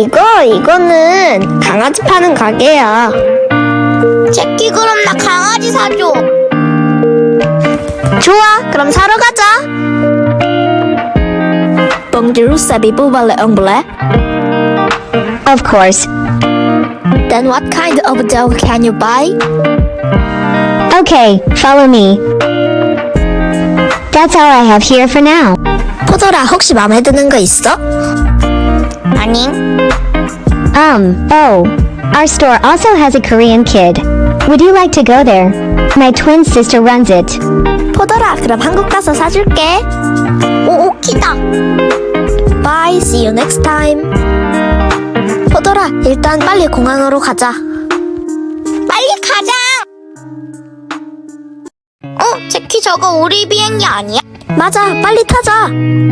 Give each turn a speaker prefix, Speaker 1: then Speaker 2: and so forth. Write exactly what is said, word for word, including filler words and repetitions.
Speaker 1: 이거 이거는 강아지 파는 가게야.
Speaker 2: 제키, 그럼 나 강아지 사줘.
Speaker 1: 좋아, 그럼 사러 가자. Bonjour, savez-vous parler anglais? Of course. Then what kind of dog can you buy? Okay, follow me. That's all I have here for now. 포도라, 혹시 마음에 드는 거 있어?
Speaker 2: 아니,
Speaker 3: Um, oh. Our store also has a Korean kid. Would you like to go there? My twin sister runs it.
Speaker 1: 포도라, 그럼 한국 가서 사줄게.
Speaker 2: 오, 오키다.
Speaker 1: Bye, see you next time. 포도라, 일단 빨리 공항으로 가자.
Speaker 2: 빨리 가자. 어, 제키, 저거 우리 비행기 아니야?
Speaker 1: 맞아, 빨리 타자.